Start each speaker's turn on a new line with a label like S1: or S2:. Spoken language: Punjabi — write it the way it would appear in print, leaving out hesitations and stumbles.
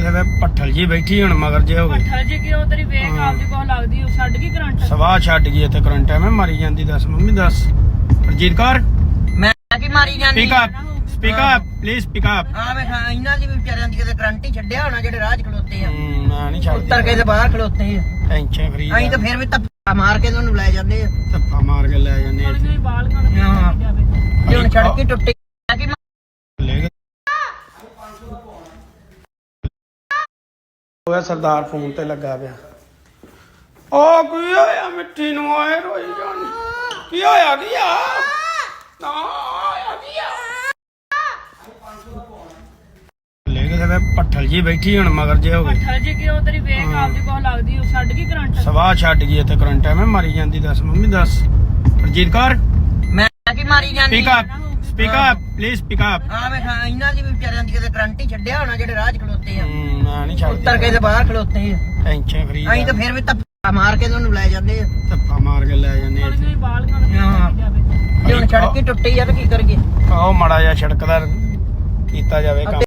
S1: ਕਿਤੇ ਪੱਠਲ ਜੀ ਬੈਠੀ ਹੁਣ ਮਗਰ ਜੇ ਹੋ ਗਈ
S2: ਪੱਠਲ ਜੀ ਕਿ ਉਹ ਤੇਰੀ ਵੇਖ ਆਪਦੀ ਕੋਲ ਲੱਗਦੀ ਉਹ ਛੱਡ ਗਈ ਕਰੰਟ
S1: ਸਵਾਹ ਛੱਡ ਗਈ ਇੱਥੇ ਕਰੰਟ ਐਵੇਂ ਮਾਰੀ ਜਾਂਦੀ ਦੱਸ ਮੰਮੀ ਦੱਸ ਰਜੀਤ ਕੌਰ
S3: ਮੈਂ ਕੀ ਮਾਰੀ ਜਾਂਦੀ
S1: speak up please speak up
S3: ਆ ਵੇਖ ਇਹਨਾਂ ਦੀ ਵੀ ਵਿਚਾਰਿਆਂ ਦੀ ਕਿਤੇ ਕਰੰਟ ਹੀ ਛੱਡਿਆ ਹੋਣਾ ਜਿਹੜੇ ਰਾਹ 'ਚ ਖਲੋਤੇ ਆ
S1: ਮੈਂ ਨਹੀਂ ਛੱਡਦੀ
S3: ਉੱਤਰ ਕੇ ਤੇ ਬਾਹਰ ਖਲੋਤੇ ਆ
S1: ਟੈਨਸ਼ਨ ਫਰੀ
S3: ਅਸੀਂ ਤਾਂ ਫਿਰ ਵੀ ਧੱਫਾ ਮਾਰ ਕੇ ਤੁਹਾਨੂੰ ਲੈ ਜਾਂਦੇ ਆ
S1: ਧੱਫਾ ਮਾਰ ਕੇ ਲੈ ਜਾਂਦੇ ਇੱਥੇ
S2: ਕੋਈ ਬਾਲ ਖਾਣ
S3: ਹਾਂ।
S2: ਜਾਵੇ
S3: ਜੇ ਹੁਣ ਸੜਕ ਹੀ ਟੁੱਟੀ ਮੈਂ ਕੀ
S1: ਲੈ ਗਏ ਹੋਇਆ ਸਰਦਾਰ ਫੋਨ ਤੇ ਲੱਗਾ ਪਿਆ ਉਹ ਕੀ ਹੋਇਆ ਮਿੱਠੀ ਨੂੰ ਆਏ ਰੋਈ ਜਾਣੀ ਕੀ ਹੋਇਆ ਕੀ ਆ ਨਾ ਹੋਇਆ ਕੀ ਆ ਲੈ ਗਏ ਤੇ ਪੱਠਲ ਜੀ ਬੈਠੀ ਹੁਣ ਮਗਰ ਜੇ ਹੋ ਗਈ
S2: ਪੱਠਲ ਜੀ ਕਿ ਉਹ ਤੇਰੀ ਵੇਖ ਆਪਦੀ ਕੋਲ ਲੱਗਦੀ ਉਹ ਛੱਡ ਗਈ ਕਰੰਟ
S1: ਸਵਾਹ ਛੱਡ ਗਈ ਇੱਥੇ ਕਰੰਟ ਐਵੇਂ ਮਾਰੀ ਜਾਂਦੀ ਦੱਸ ਮੰਮੀ ਦੱਸ ਰਜੀਤ ਕੌਰ
S3: ਮੈਂ ਕੀ ਮਾਰੀ ਜਾਂਦੀ
S1: speak up please speak up
S3: ਆ ਵੇਖ ਇਹਨਾਂ ਦੀ ਵੀ ਵਿਚਾਰਿਆਂ ਦੀ ਕਿਤੇ ਕਰੰਟ ਹੀ ਛੱਡਿਆ ਹੋਣਾ ਜਿਹੜੇ ਰਾਹ 'ਚ ਖਲੋਤੇ ਆ
S1: ਮੈਂ ਨਹੀਂ ਛੱਡਦੀ
S3: ਉੱਤਰ ਕੇ ਤੇ ਬਾਹਰ ਖਲੋਤੇ ਆ
S1: ਟੈਨਸ਼ਨ ਫਰੀ
S3: ਅਸੀਂ ਤਾਂ ਫਿਰ ਵੀ ਧੱਫਾ ਮਾਰ ਕੇ ਤੁਹਾਨੂੰ ਲੈ ਜਾਂਦੇ ਆ
S1: ਧੱਫਾ ਮਾਰ ਕੇ ਲੈ ਜਾਂਦੇ ਇੱਥੇ
S2: ਕੋਈ ਬਾਲ ਖਾਣ
S3: ਹਾਂ।
S2: ਜਾਵੇ
S3: ਜੇ ਹੁਣ ਸੜਕ ਹੀ ਟੁੱਟੀ ਆ ਤਾਂ ਕੀ ਕਰੀਏ
S1: ਆਓ ਮਾੜਾ ਜਿਹਾ ਸੜਕ ਦਾ ਕੀਤਾ ਜਾਵੇ ਕੰਮ